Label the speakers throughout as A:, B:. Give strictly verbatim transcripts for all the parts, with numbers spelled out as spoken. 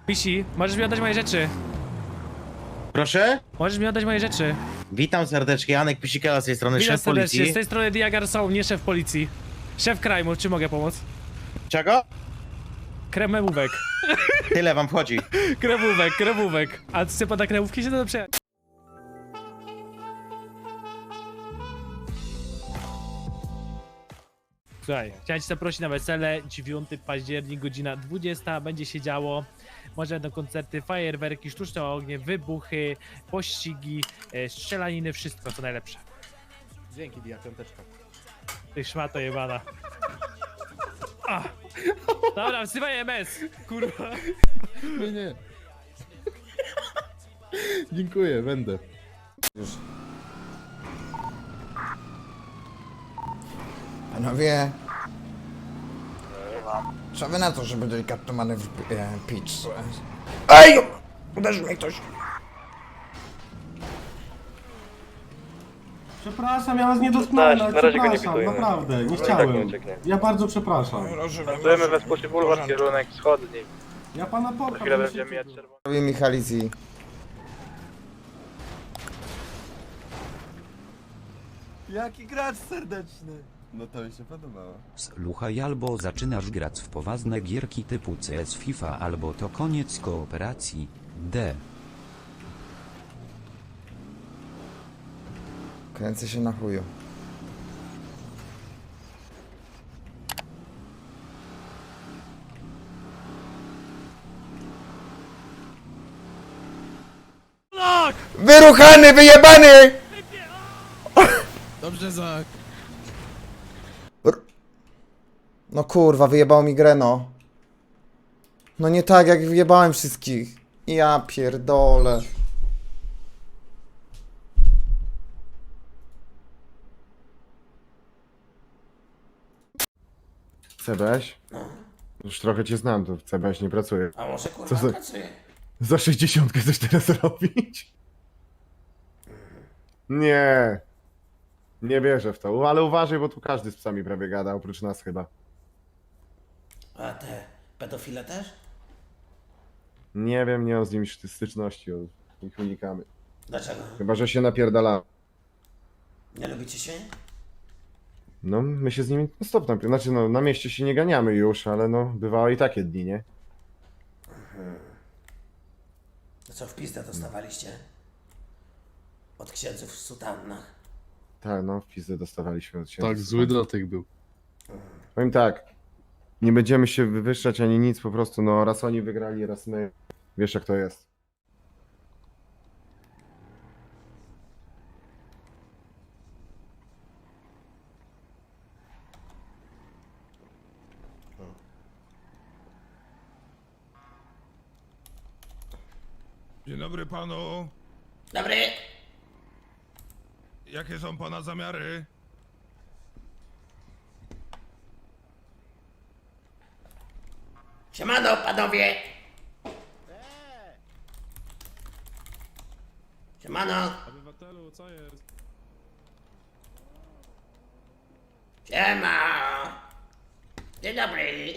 A: Pisi, możesz mi oddać moje rzeczy.
B: Proszę?
A: Możesz mi oddać moje rzeczy.
B: Witam serdecznie, Janek Pisikela z tej strony,
A: Witam
B: szef
A: serdecznie,
B: policji.
A: z tej strony Diagar Soul, nie szef policji. Szef krajmu, czy mogę pomóc?
B: Czego?
A: Kremówek.
B: Tyle wam wchodzi.
A: Kremówek, kremówek. A chce pana kremówki się to dobrze? Słuchaj, chciałem cię zaprosić na wesele, dziewiątego października, godzina dwudziesta, będzie się działo. Może będą koncerty, fajerwerki, sztuczne ognie, wybuchy, pościgi, e, strzelaniny, wszystko co najlepsze.
C: Dzięki, Dia, piąteczka.
A: Ty szmato jebana. Ah. Dobra, wzywaj M S, kurwa.
C: Nie, nie. Dziękuję, będę.
D: Panowie, co wy na to, żeby delikatnie manewr e, pić? Ej! Uderzył mnie ktoś.
E: Przepraszam, ja was nie dotknąłem,
F: Na
E: ale
F: razie go nie
E: przepraszam,
F: pitujmy.
E: naprawdę, nie
F: No i tak nie
E: chciałem.
F: ucieknie.
E: Ja bardzo przepraszam.
F: Startujemy we Spółce Bulwar, kierunek wschodni.
E: Ja pana
F: Za
E: popcham.
F: chwilę
E: nie
F: będziemy
E: się
F: mijać
E: czuję.
F: czerwony.
D: Robię Michalizji.
C: Jaki gracz serdeczny. No to mi się podobało.
G: Słuchaj, albo zaczynasz grać w poważne gierki typu C S FIFA, albo to koniec kooperacji. D.
D: Kręcę się na chuju. Wyruchany, wyjebany!
C: Dobrze, Zak.
D: R- No kurwa, wyjebało mi grę, no. No nie tak, jak wyjebałem wszystkich. Ja pierdolę.
H: C B S? Już trochę cię znam, to w C B S nie pracuję.
I: A może kurwa
H: Co za-
I: pracuje?
H: Za sześćdziesiątkę coś teraz robić? Nie. Nie wierzę w to, ale uważaj, bo tu każdy z psami prawie gada, oprócz nas chyba.
I: A te pedofile też?
H: Nie wiem, nie mam z nimi styczności, ich unikamy.
I: Dlaczego?
H: Chyba, że się napierdala.
I: Nie lubicie się?
H: No, my się z nimi no stop napier... Znaczy, no, na mieście się nie ganiamy już, ale no, bywały i takie dni, nie?
I: To co w pizdę dostawaliście? Od księdzów w sutannach.
H: Tak, no, w pizdę dostawaliśmy od siebie.
C: Tak, zły dotyk był.
H: Powiem tak, nie będziemy się wywyższać ani nic, po prostu, no, raz oni wygrali, raz my. Wiesz, jak to jest.
J: Dzień dobry panu.
I: Dobry!
J: Jakie są pana zamiary?
I: Siemano panowie! Siemano!
E: Obywatelu, co jest?
I: Siema! Dzień dobry!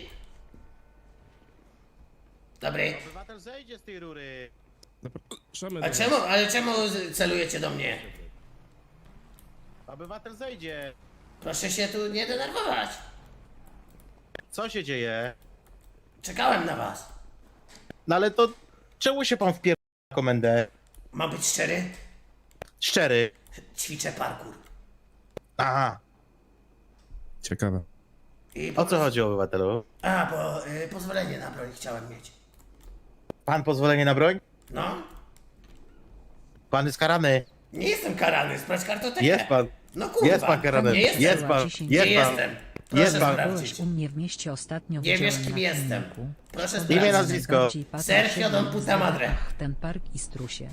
I: Dobry.
B: Obywatel zejdzie z tej rury.
E: Zapraszamy
I: A
E: do
I: czemu, ale czemu z- celujecie do mnie?
B: Obywatel zejdzie.
I: Proszę się tu nie denerwować.
B: Co się dzieje?
I: Czekałem na was.
B: No ale to czemu się pan wpier... na komendę?
I: Mam być szczery?
B: Szczery.
I: Ćwiczę parkour.
B: Aha.
E: Ciekawe.
I: I
B: O co chodzi, obywatelu?
I: A, bo y, pozwolenie na broń chciałem mieć.
B: Pan pozwolenie na broń?
I: No?
B: Pan jest karany.
I: Nie jestem karany, sprawdź kartotekę.
B: Jest pan.
I: No kurwa.
B: Jest pan karany.
I: Nie jestem.
B: Jest pan.
I: Nie
B: Jest pan.
I: jestem. Proszę
B: Jest pan.
I: sprawdzić.
K: u mnie w mieście ostatnio
I: Nie wiesz,
K: widziałem
I: kim
K: na
I: jestem.
K: filmiku.
I: Proszę
K: Szkoda,
I: sprawdzić.
B: Imię,
K: że
B: nazwisko.
K: najbardziej patrol
I: Sergio
K: się
I: Don
K: nazywa
I: Puta Madre.
K: Ach, ten park i strusie.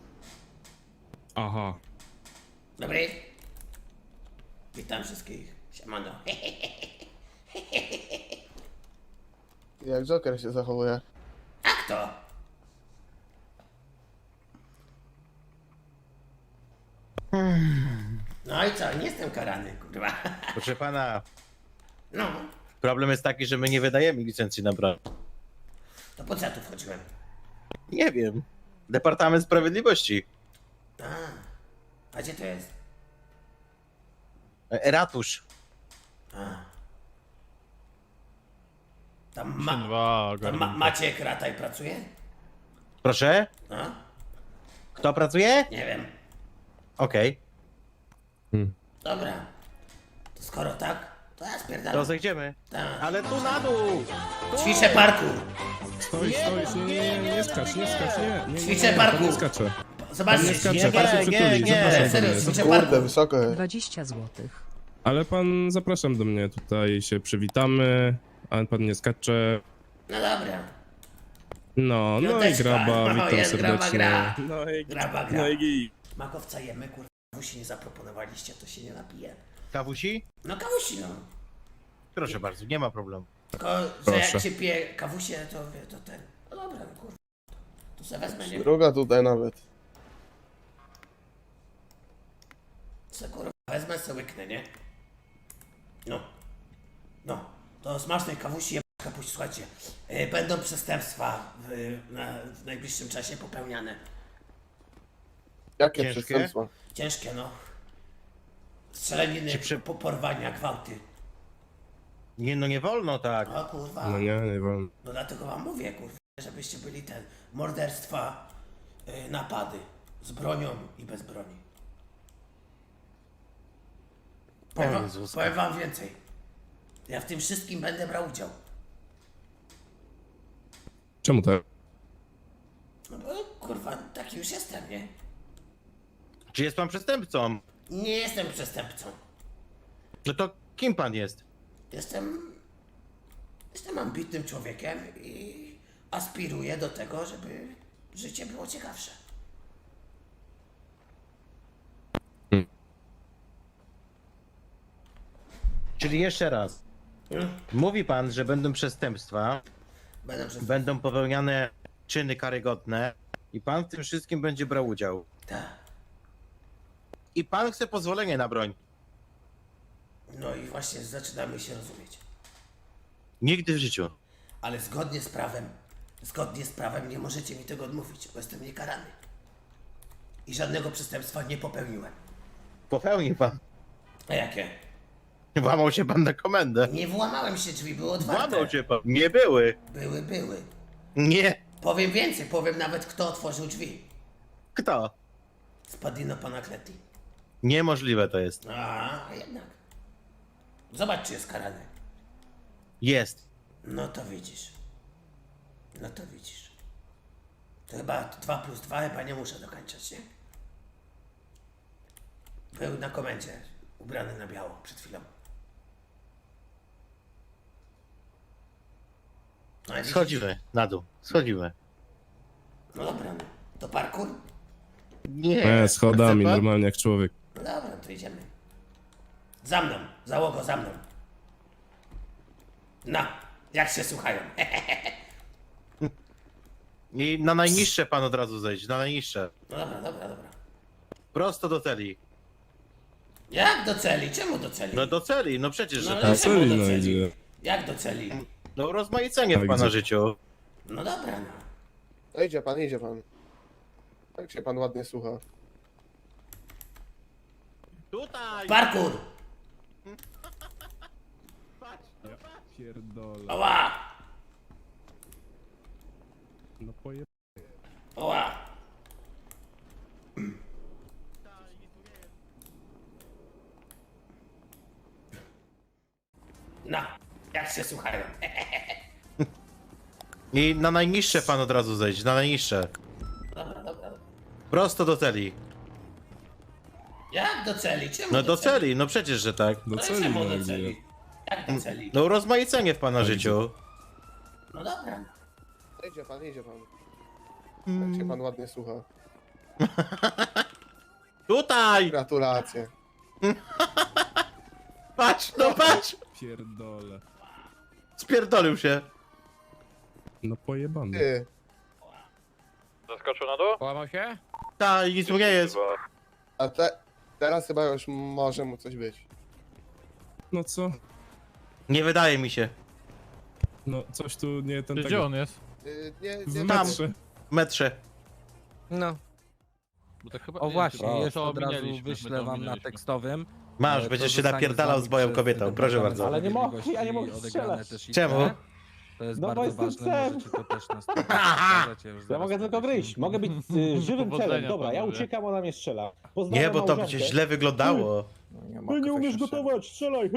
E: Aha.
I: Dobry. Witam wszystkich. Siemano.
C: Jak Joker się zachowuje?
I: Jak to? No i co? Nie jestem karany, kurwa.
B: Proszę pana,
I: No,
B: problem jest taki, że my nie wydajemy licencji na broń.
I: to po co ja tu wchodziłem?
B: Nie wiem. Departament Sprawiedliwości.
I: A, a gdzie to jest?
B: E, Ratusz.
I: A. Tam, ma, tam ma, Maciek Rataj pracuje?
B: Proszę?
I: A?
B: Kto pracuje?
I: Nie wiem.
B: Okej.
I: Dobra. To skoro tak, to ja
B: To
I: spierdalam.
B: zejdziemy.
I: Tak.
B: Ale tu na dół!
I: Ćwiczę parkour.
E: Stoi, stoi, nie, nie, nie, nie skacz, nie skacz, nie. nie, nie,
I: Ćwiczę
E: nie,
I: parkour.
E: Nie skacze.
I: Zobaczcie,
E: Nie skacze,
B: nie,
E: pan się
B: nie,
E: przytuli,
B: nie.
E: zapraszam do
I: serio,
E: mnie.
I: ćwiczę parkour.
C: wysoko jest.
K: dwadzieścia złotych.
E: Ale pan, zapraszam do mnie, tutaj się przywitamy, a pan nie skacze.
I: No dobra.
E: No, no i
I: Piąteczka.
E: graba,
I: No,
E: witam
I: jest graba,
E: serdecznie.
I: gra.
E: No i
I: Graba, gra.
E: no i gij.
I: Makowca jemy, kurwa. Kawusi nie zaproponowaliście, to się nie napije.
B: Kawusi?
I: No kawusi, no.
B: Proszę bardzo, nie ma problemu.
I: Tylko, że
E: Proszę.
I: jak się pije kawusie, to wie, to ten... No dobra, no kurwa. To se wezmę, nie?
C: Druga tutaj nawet.
I: Se kurwa wezmę, se łyknę, nie? No. No. To smacznej kawusi je kapuś, słuchajcie. Yy, będą przestępstwa w, na, w najbliższym czasie popełniane.
C: Jakie
B: Ciężkie?
C: przestępstwa?
I: Ciężkie, no. Strzelaniny,
B: Czy przy-
I: po, porwania, gwałty.
B: Nie, no nie wolno tak.
I: O kurwa.
E: No nie, nie wolno.
I: No dlatego wam mówię, kurwa, żebyście byli ten, morderstwa, yy, napady, z bronią i bez broni. Powiem wam,
B: Jezuska.
I: powiem wam więcej. Ja w tym wszystkim będę brał udział.
E: Czemu tak?
I: No bo kurwa, taki już jestem, nie?
B: Czy jest pan przestępcą?
I: Nie jestem przestępcą.
B: No to kim pan jest?
I: Jestem... Jestem ambitnym człowiekiem i aspiruję do tego, żeby życie było ciekawsze.
B: Czyli jeszcze raz.
I: Hmm?
B: Mówi pan, że będą przestępstwa,
I: Będę przez...
B: będą popełniane czyny karygodne i pan w tym wszystkim będzie brał udział.
I: Tak.
B: I pan chce pozwolenie na broń.
I: No i właśnie zaczynamy się rozumieć.
B: Nigdy w życiu.
I: Ale zgodnie z prawem, zgodnie z prawem nie możecie mi tego odmówić, bo jestem niekarany. I żadnego przestępstwa nie popełniłem.
B: Popełnił pan.
I: A jakie?
B: Włamał się pan na komendę.
I: Nie włamałem się, drzwi były otwarte.
B: Włamał się pan. Nie były.
I: Były, były.
B: Nie.
I: Powiem więcej, powiem nawet kto otworzył drzwi.
B: Kto?
I: Spadino Panacleti.
B: Niemożliwe to jest.
I: A, jednak. Zobacz, czy jest karany.
B: Jest.
I: No to widzisz. No to widzisz. To chyba dwa plus dwa chyba nie muszę dokończać, nie? Był na komendzie, ubrany na biało przed chwilą. No, i widzisz?
B: Schodzimy na dół. Schodzimy.
I: No dobra, no. To parkour?
B: Nie.
E: E, schodami,
B: Chce pan?
E: normalnie jak człowiek.
I: No dobra, to idziemy. Za mną, załogo, za mną. No, jak się słuchają.
B: I na najniższe pan od razu zejść. Na najniższe.
I: No dobra, dobra, dobra.
B: Prosto do celi.
I: Jak do celi? Czemu do celi?
B: No do celi, no przecież,
I: No
B: że
I: ale
B: tak.
E: Na
I: czemu
E: celi,
I: do
E: no
I: celi?
E: idzie.
I: Jak do celi?
B: No rozmaicenie w
E: Tak,
B: pana
E: gdzie-
B: życiu.
I: No dobra, no.
C: No idzie pan, idzie pan. Jak się pan ładnie słucha.
B: Tutaj!
I: Parkour!
E: Pierdolę.
I: Oła!
E: No poje...
I: Oła! No, jak się słuchają.
B: I na najniższe pan od razu zejść. Na najniższe.
I: Dobra, dobra, dobra.
B: Prosto do celi.
I: Jak do celi? Czemu
B: No do celi, no przecież, że tak.
E: Do
I: No i
E: celi,
I: czemu
E: no
I: do
E: idzie.
I: celi? Jak do celi?
B: No rozmaicenie w pana życiu.
I: No dobra.
C: No idzie pan, idzie pan. Jak się pan ładnie słucha.
B: Tutaj!
C: Gratulacje.
B: Patrz, no patrz!
E: Pierdolę.
B: Spierdolił się.
E: No pojebany.
C: Ty.
F: Zaskoczył na dół?
A: Połamał się?
B: Ta, nic mu nie jest.
C: A te, teraz chyba już może mu coś być.
E: No co?
B: Nie wydaje mi się.
E: No coś tu nie ten
A: Gdzie
E: tego...
A: on jest?
C: Yy, nie,
E: W
C: nie,
B: Tam.
E: metrze.
B: metrze.
F: No.
L: O właśnie, jest od razu wyślę wam na tekstowym.
B: Masz,
L: E,
B: będziesz się
L: to
B: napierdalał z
L: zostanie
B: moją
L: przez
B: kobietą,
L: ten
B: proszę
L: Departament
B: bardzo.
L: Ale nie mogę,
F: Sprawiedliwości
L: ja nie mogę
F: odegrane
L: strzelać.
F: też i
B: Czemu?
F: te.
L: To jest
F: No bo
L: bardzo
F: jestem
L: ważne,
F: psem.
L: możecie to też na stronie pokażecie już
F: Ja
L: zaraz
F: mogę tylko
L: powiedzmy.
F: gryźć, mogę być y, żywym
A: Powodzenia,
F: celem. Dobra, ja
A: panowie.
F: uciekam, ona mnie strzela.
B: Nie,
F: Pozdrawiam
B: bo to
F: małżonkę.
B: będzie źle wyglądało.
F: Ty nie umiesz gotować, strzelaj!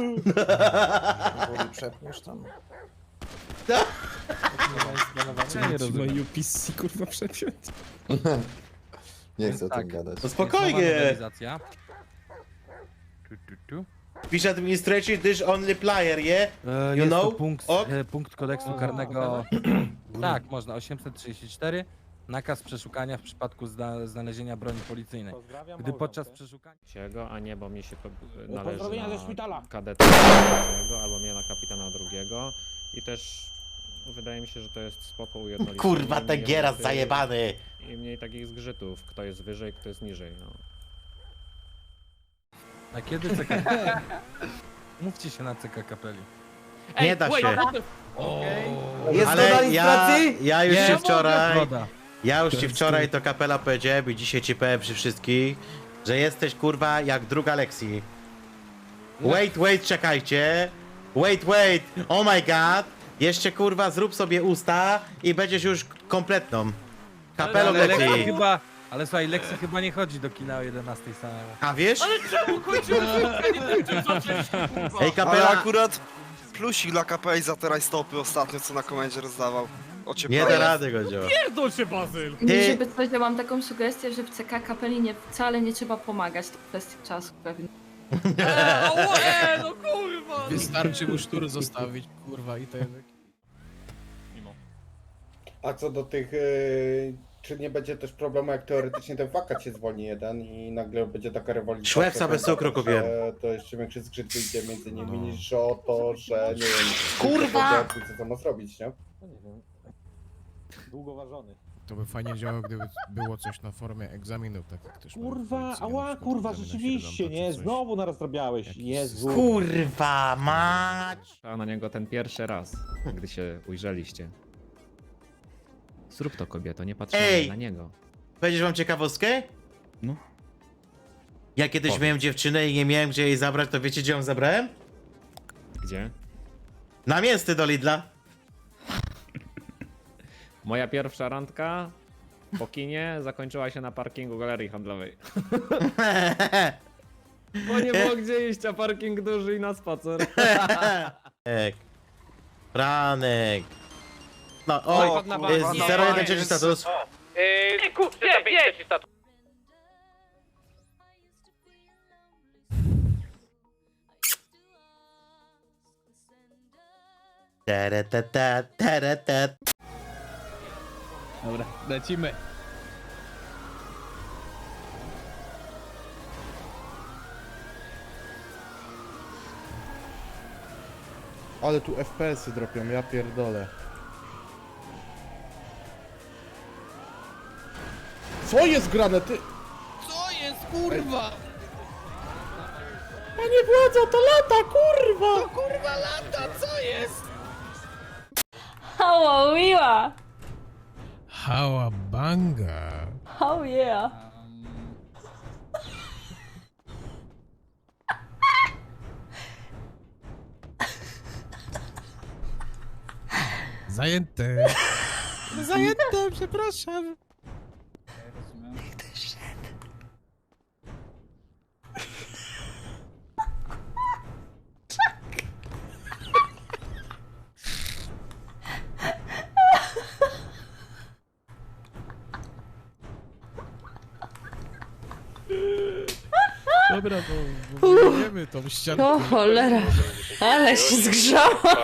C: Przepniesz tam.
E: Ja nie rozumiem. U P C kurwa przepiąć.
C: Nie chcę o
L: Tak.
C: tym gadać.
B: No
L: Jest nowa
B: spokojnie.
L: nowelizacja. Tu, tu, tu.
B: Pisze administration, this only player, yeah?
L: E,
B: You
L: jest
B: know?
L: to punkt,
B: Ok.
L: e, punkt kodeksu karnego. Tak, można. osiemset trzydzieści cztery. Nakaz przeszukania w przypadku zna znalezienia broni policyjnej.
F: Pozdrawiam
L: Gdy podczas
F: małżonkę.
L: przeszukania.
M: Go, a nie, bo mi się po- należy
F: Pozdrowienia
M: na
F: ze szpitala.
M: kadeta pierwszego, albo mnie na kapitana drugiego. I też wydaje mi się, że to jest spoko ujednolicenie.
B: Kurwa, ten
M: Mniej
B: gieras
M: ruchy
B: zajebany.
M: I mniej takich zgrzytów, kto jest wyżej, kto jest niżej, no.
L: A kiedy C K? Mówcie się na C K kapeli.
B: Nie da
A: wait,
B: się.
A: what the- Okej.
D: Jest
B: Ale
D: dodanie
B: ja,
D: pracy?
B: ja już
L: Nie
B: ci
L: mogę,
B: wczoraj,
L: zgoda.
B: ja już ci wczoraj to kapela powiedziałem i dzisiaj ci powiem przy wszystkich, że jesteś kurwa jak druga Lexi. Wait, wait, czekajcie. Wait, wait, oh my god. Jeszcze kurwa zrób sobie usta i będziesz już kompletną. Kapelą
L: Ale Lexi
B: Lexi.
L: chyba. Ale słuchaj, Lexi chyba nie chodzi do kina o jedenastej samemu.
B: A wiesz?
A: Czemu kończyłem nie kończyłem, co przecież, kurwa.
B: Ej, kapela,
C: akurat plusik dla K P I za te rajstopy ostatnio, co na komendzie rozdawał.
B: nie da rady go działa.
A: Pierdol się, Bazyl!
B: Ty-
N: Żeby coś, ja mam taką sugestię, że w C K kapeli nie, wcale nie trzeba pomagać, to kwestia czasu pewnie.
A: Eee, o, e, no kurwa!
F: Wystarczy mu sztur zostawić, kurwa, i to jednak.
C: A co do tych, yy, czy nie będzie też problemu, jak teoretycznie ten wakat się zwolni jeden i nagle będzie taka rewolucja.
B: Szwepsa bez cukru kupiłem.
C: To jeszcze większy zgrzyt wyjdzie między nimi niż o to, że nie wiem.
B: Kurwa!
C: Co to ma zrobić, nie?
F: No nie wiem. Długo ważony.
J: To by fajnie działało, gdyby było coś na formie egzaminów, tak jak też
F: Kurwa, ała, kurwa, rzeczywiście, nie? Znowu narazrabiałeś, Jezu.
B: Kurwa, mać!
M: Trzeba na niego ten pierwszy raz, gdy się ujrzeliście. Zrób to, kobieto, nie patrz
B: Ej!
M: na niego.
B: Powiedziesz wam ciekawostkę?
M: No.
B: Ja kiedyś
M: Powiedz.
B: miałem dziewczynę i nie miałem gdzie jej zabrać, to wiecie gdzie ją zabrałem?
M: Gdzie?
B: Na mięsty do Lidla.
M: Moja pierwsza randka po kinie zakończyła się na parkingu galerii handlowej. Bo nie było gdzie iść, a parking duży i na spacer.
B: Franek. Franek. No, oj,
A: Padł na bank.
B: jest zero jeden trzeci status.
A: Ej, ku, nie, nie!
B: Tereteta, teretet.
F: Dobra, lecimy.
J: Ale tu F P S-y dropią, ja pierdolę. Co jest grane, ty?
F: Co jest, kurwa?
J: Panie władza, to lata, kurwa!
F: To kurwa lata, co jest?
N: Hała, miła!
J: Hała banga.
N: Oh yeah!
J: Zajęte.
F: Zajęte, przepraszam.
J: Dobra, to wiemy tą ściankę.
N: O cholera, ale się zgrzała!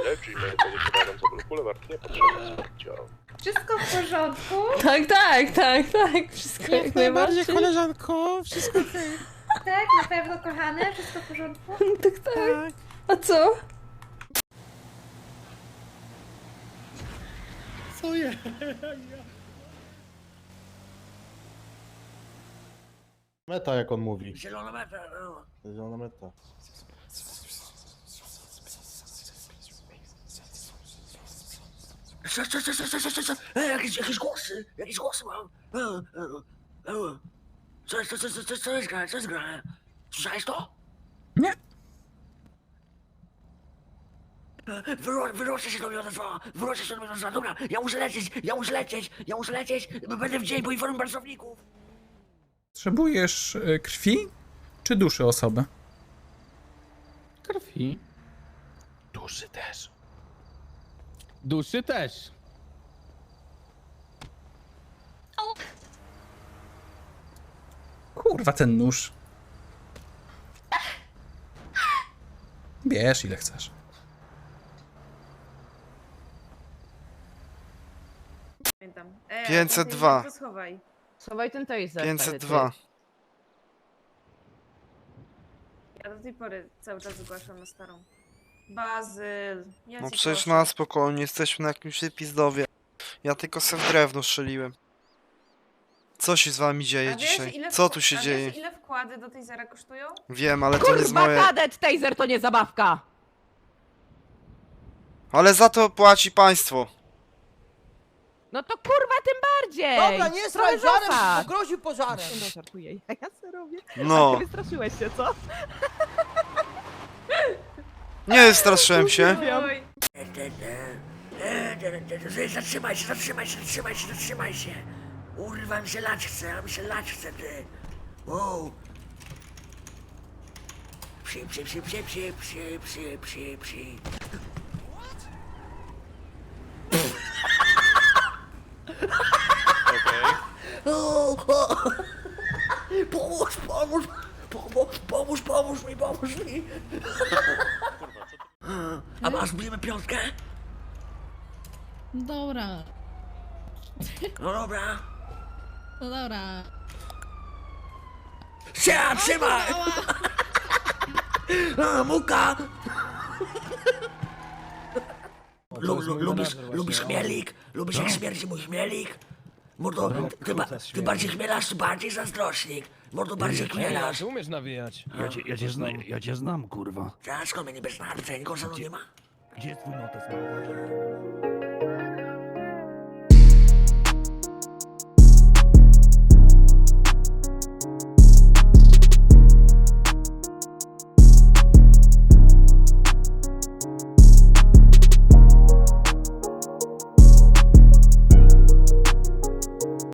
I: Wszystko w porządku?
N: Tak, tak, tak, tak, wszystko jak najbardziej.
J: koleżanko, wszystko okej.
I: Tak, na pewno kochane, wszystko w porządku?
N: Tak, tak. A co?
J: Co je? Meta, jak on mówi.
I: Zielona meta, no.
J: Zielona meta.
I: Co, co, co, co, co, co, co, co? E, jakieś, jakieś głosy, jakieś głosy mam. E, e, e. Co, co, co, co, co, co jest grane, co jest grane? Słyszałeś to?
L: Nie.
I: Wyro, wyroczę się do mnie odezwała, wyroczę się do mnie odezwała. Dobra, ja muszę lecieć, ja muszę lecieć, ja muszę lecieć, będę w dzień, poinformuję pracowników.
L: Potrzebujesz y, krwi czy duszy osoby? Krwi.
A: Duszy też.
L: Duszy też. Kurwa, ten nóż. Bierz ile chcesz.
F: pięćset dwa.
N: Schowaj ten taser.
F: pięćset dwa.
N: Ja do tej pory cały czas zgłaszam na starą. Bazyl. Ja
F: No
N: cię
F: przecież
N: proszę.
F: na spokojnie, jesteśmy na jakimś pizdowie. Ja tylko se w drewno strzeliłem. Co się z wami dzieje
N: A wiesz,
F: dzisiaj?
N: ile
F: Co
N: wkła-
F: tu się
N: a
F: dzieje?
N: Wiesz, ile wkłady do tej zera kosztują?
F: Wiem, ale to nie jest moje...
N: kadet, taser to nie zabawka!
F: Ale za to płaci państwo.
N: No to kurwa tym bardziej!
I: Dobra, nie straj żarem, bo groził pożarem.
N: No żartuję, ja co robię?
F: No,
N: Wystraszyłeś się, co?
F: nie wystraszyłem się.
N: Oj.
I: Zatrzymaj się, zatrzymaj się, zatrzymaj się, zatrzymaj się. Urwa mi się lać chce, a mi się lać chce, ty. Wow. Psi, psi, psi, psi, psi, psi, psi, psi, psi. O, o. Pomóż, pomóż, pomóż, pomóż, pomóż mi, pomóż mi. A masz, bijemy piątkę?
K: Dobra,
I: No dobra.
K: no dobra.
I: Się, trzymaj! A, muka! Lu, lu, lubisz, lubisz chmielik? Lubisz jak śmierdzi mój chmielik? Mordo, ty, ba, ty bardziej chmielasz, czy bardziej zazdrośnik? Mordo, bardziej chmielasz.
L: umiesz nawijać.
I: Ja cię, ja cię znam,
L: ja cię znam, kurwa.
I: Skąd mnie niby znasz? Nikogo ze mną nie ma?
L: Gdzie jest twój notes?